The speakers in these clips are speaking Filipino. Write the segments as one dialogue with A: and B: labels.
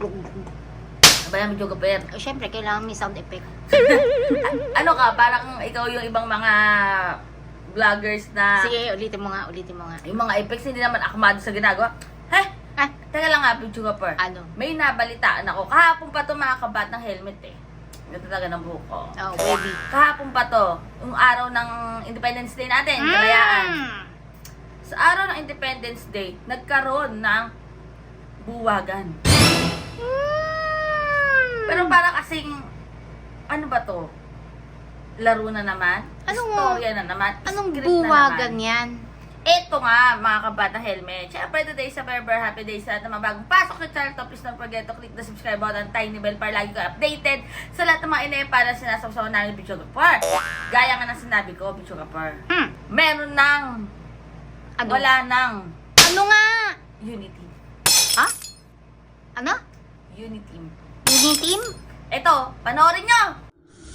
A: Ba yan, videographer?
B: Siyempre, kailangan may sound effect.
A: Ano ka, parang ikaw yung ibang mga vloggers na
B: Sige, ulitin mo nga.
A: yung mga effects hindi naman akmado sa ginagawa. Teka lang nga, videographer.
B: Ano?
A: May nabalitaan ako. Kahapon pa to mga kabat ng helmet eh. Ito talaga ng buhok ko.
B: Oh, baby.
A: Kahapon pa to, yung araw ng Independence Day natin, kalayaan. Sa araw ng Independence Day, nagkaroon ng buwagan. Pero para kasing, ano ba to? Laro na naman? Istorya na naman?
B: Anong
A: Script na
B: buwagan
A: naman.
B: yan?
A: Ito nga, mga kabata helmet. Siyempre, today sa Berber, happy day sa lahat ng mga bagong pasok sa channel to. Please don't forget to click the subscribe button, tiny bell para lagi ko updated sa lahat ng mga inay para sinasawsaw namin ng Bicho Gapar. Gaya nga ng sinabi ko, Bicho Gapar. Meron ng,
B: Ano?
A: wala ng
B: Ano nga?
A: unity.
B: Ha? Ano?
A: Unity.
B: Uniteam?
A: Ito, panoorin nyo!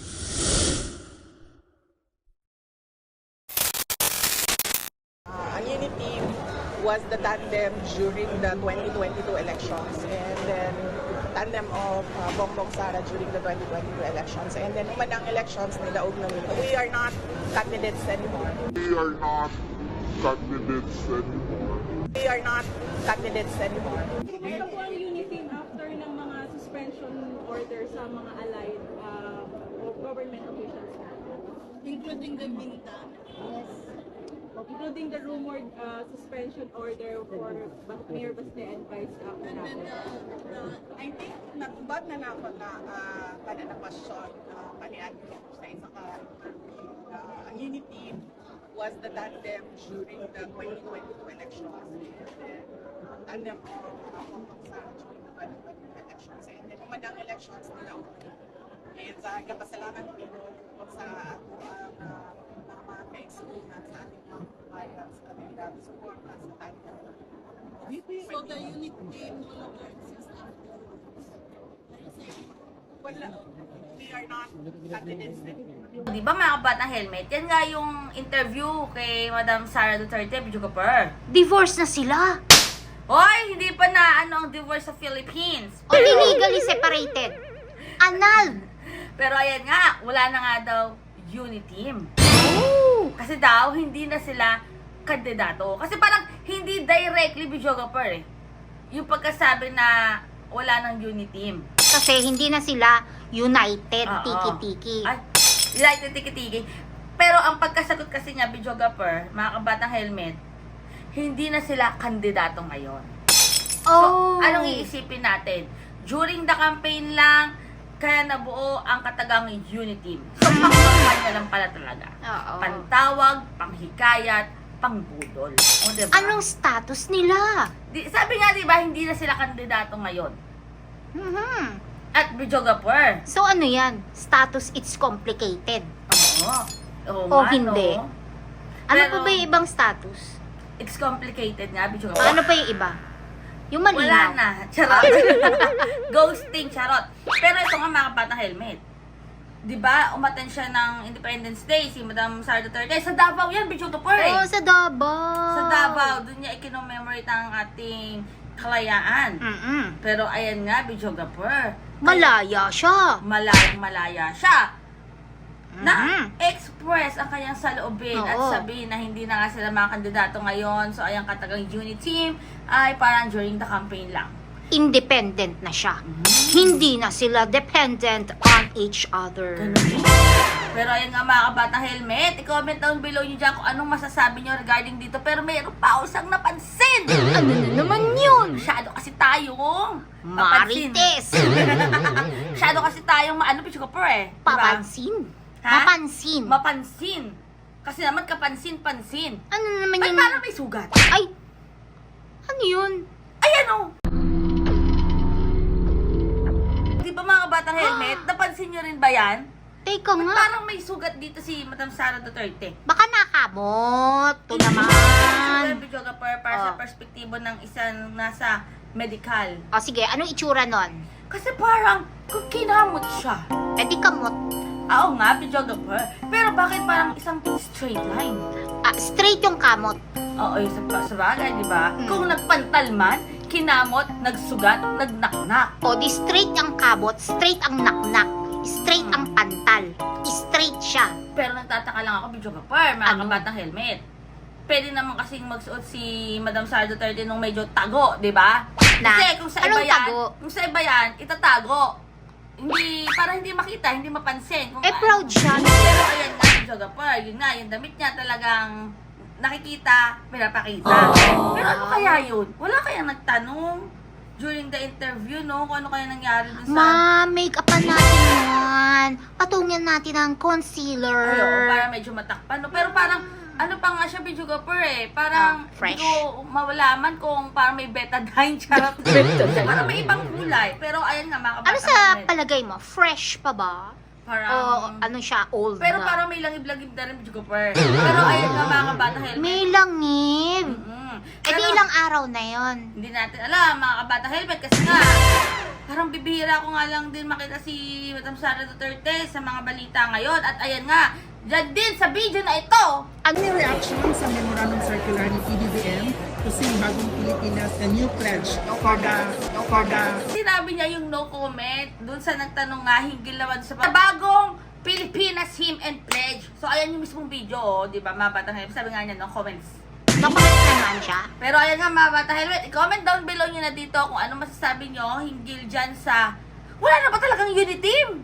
C: Ang unit team was the tandem during the 2022 elections, and then tandem of Bongbong Sara during the 2022 elections, and then umanang elections nilaog na nila. We are not candidates anymore.
D: We are not candidates anymore.
C: We are not candidates anymore.
E: Meron po ang unity after ng mga suspension order sa mga allied government officials. Including the Minta. Yes. Including the rumored suspension order for Mayor Baste and Vice Captain.
C: I think natubad na ako na kada na question panian sa isa ka ang unit team was the tandem during the 2022 elections, and then tandem of Bongbong Sara during the 2022 elections, and then umanang elections nila. And kapasalamat ko sa mga kaexperience sa ating mga bayan sa ating support sa tandem.
E: So the unit team no longer exists.
C: Wala, we are not candidates anymore.
A: Di ba mga kabatang helmet? Yan nga yung interview kay Madam Sara Duterte, Bicho Gapar.
B: Divorce na sila.
A: Hoy, hindi pa na ano ang divorce sa Philippines.
B: O legally separated. Anal.
A: Pero ayan nga, wala na nga daw uniteam.
B: Oh.
A: Kasi daw, hindi na sila kandidato. Kasi parang hindi directly videographer eh. Yung pagkasabi na wala ng uniteam.
B: Kasi hindi na sila united,
A: Oo.
B: tiki-tiki.
A: Ay, united tiki-tiki. Pero ang pagkasagot kasi niya, videographer, mga kabatang helmet, hindi na sila kandidato ngayon. So,
B: Oh.
A: anong iisipin natin? During the campaign lang, kaya nabuo ang katagang unity. So, pangkampanya lang pala talaga.
B: Oo.
A: Pantawag, panghikayat, pangbudol. O, diba?
B: Anong status nila?
A: Sabi nga, diba, hindi na sila kandidato ngayon.
B: Mhm.
A: At videographer.
B: So ano yan? Status it's complicated.
A: Oo. Oo
B: O
A: nga,
B: hindi?
A: no?
B: Ano
A: Pero,
B: pa ba yung ibang status?
A: It's complicated nga, videographer.
B: Ano pa yung iba? Yung
A: Wala
B: malinaw.
A: na. Charot. Ghosting, charot. Pero ito nga mga batang helmet. Diba, umaten siya ng Independence Day, si Madam Sara Duterte. Sa Davao yan, videographer eh.
B: Oh, sa Davao.
A: Sa Davao, doon niya ikinommemorate ang ating kalayaan. Pero ayan nga, videographer.
B: Malaya siya.
A: Malayang-malaya siya. Na
B: Mhm.
A: express ang kanyang saloobin at
B: Oo.
A: sabihin na hindi na nga sila mga kandidato ngayon. So, ayang katagang unit team ay parang during the campaign lang.
B: Independent na siya. Hindi na sila dependent on each other.
A: Pero ayun nga mga kabatang helmet, i-comment down below nyo dyan kung anong masasabi nyo regarding dito. Pero mayroon pa ako isang napansin.
B: Ano na naman yun?
A: Masyado kasi tayong
B: Marites.
A: Masyado kasi tayong maano, Pichukapur eh. Diba?
B: Papansin.
A: Ha?
B: Mapansin.
A: Mapansin. Kasi naman kapansin-pansin.
B: Ano naman
A: Ba't
B: yun?
A: parang may sugat?
B: Ay! Ano yun?
A: Ayan o! Di ba mga batang helmet? Napansin nyo rin ba yan?
B: Teka
A: Ba't
B: nga.
A: parang may sugat dito si Madam Sara Duterte?
B: Baka nakamot. Ito naman.
A: Videographer para sa
B: Oh.
A: perspektibo ng isang nasa medical.
B: O sige, anong itsura nun?
A: Kasi parang kinamot siya.
B: Eh di kamot.
A: Oo nga, videographer. Pero bakit parang isang straight line?
B: Straight yung kamot.
A: Oo, sa bagay, di ba?
B: Mm.
A: Kung nagpantal man, kinamot, nagsugat, nagnaknak.
B: O di straight ang kabot, straight ang naknak, straight ang pantal, straight siya.
A: Pero nagtataka lang ako, Bidyo Gapar, mga
B: Ano?
A: kabatang helmet. Pwede naman kasing magsuot si Madam Sara Duterte nung medyo tago, di ba?
B: Na?
A: Kasi kung sa
B: Anong
A: iba yan,
B: tago?
A: kung sa iba yan, itatago. Hindi, para hindi makita, hindi mapansin. Kung
B: Proud siya.
A: Pero ayan nga, Bidyo Gapar, yun nga, yung damit niya talagang nakikita, pinapakita. Pero ano kaya yun? Wala kayang nagtanong during the interview, no? Kung ano kaya nangyari dun sa...
B: Ma-make-upan natin yan. Patungyan natin ang concealer.
A: Ay, oo, para medyo matakpan. No? Pero parang, ano pa nga siya, Bidyo Gapar eh. Parang,
B: fresh.
A: hindi ko mawalaman kung parang may betadine, charot. Parang may ibang kulay. Pero ayan nga, mga
B: Ano
A: kabatang
B: sa
A: helmet.
B: palagay mo? Fresh pa ba?
A: Parang,
B: O ano siya, old
A: pero
B: na?
A: parang may langib-langib na rin, Bidyo Gapar. Pero ayan nga, mga kabatang helmet.
B: May langib. Eh di
A: Pero-
B: ilang araw na yon.
A: Hindi natin alam, mga kabata helmet, kasi nga, parang bibihira ko nga lang din makita si Madam Sara Duterte sa mga balita ngayon. At ayan nga, dyan din sa video na ito,
C: Ano yung reaction sa memorandum circular ni PBBM to see Bagong Pilipinas a new pledge for the
A: sinabi niya yung no comment dun sa nagtanong nga hinggil naman sa bagong Pilipinas Hymn and Pledge. So ayan yung mismong video, oh, di ba, mga batang helmet, sabi nga niya, no comments.
B: Nakulit naman siya.
A: Pero ayan nga, mga bata helmet, i-comment down below nyo na dito kung ano masasabi nyo hinggil dyan sa wala na ba talagang unity team?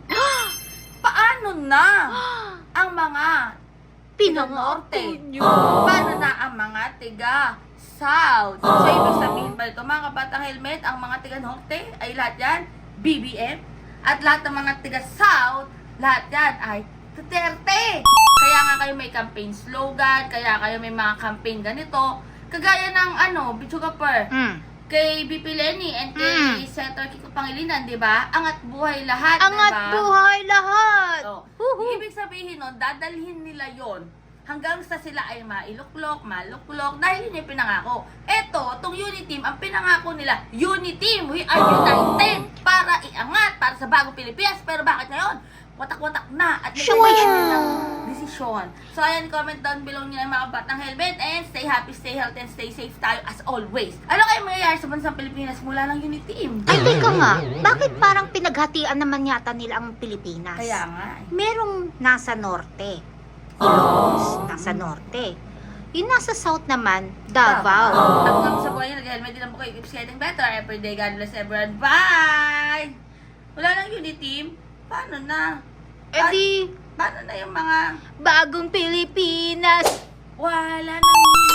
A: Paano na ang mga
B: Pinangako
A: Norte? Paano na ang mga tiga South? So, ibig sabihin ba ito, mga kabatang helmet, ang mga tiga Norte ay lahat yan BBM, at lahat ng mga tiga South, lahat yan ay Duterte. Kaya nga kayo may campaign slogan, kaya kayo may mga campaign ganito, kagaya ng Bidyo Gapar, kay BP Lenny and kay Senator Kiko Pangilinan, di ba? Angat buhay lahat,
B: Angat
A: di ba?
B: buhay lahat.
A: Oh.
B: Huhu.
A: Ibig sabihin nun, dadalhin nila yon hanggang sa sila ay mailuklok, maluklok, dahil yun yung pinangako. Eto, itong Unity Team, ang pinangako nila, Unity Team, we are united para iangat, para sa bagong Pilipinas. Pero bakit ngayon? Watak-watak na at may desisyon. So, ayan, comment down below nyo na yung mga batang helmet and stay happy, stay healthy, and stay safe tayo as always. Ano kayo mangyayari sa bansang Pilipinas mula ng Unity Team?
B: Ay, teka nga. Bakit parang pinaghatian naman yata nila ang Pilipinas?
A: Kaya nga eh.
B: Merong nasa norte. Ilocos, nasa norte. Yung nasa south naman, Davao.
A: At nga sa buhay nyo, nag-helmet din lang po kayo. Keep getting better every day. God bless everyone. Bye! Wala nang Unity Team? Paano na?
B: Eh di,
A: Paano na yung mga
B: bagong Pilipinas.
A: wala nang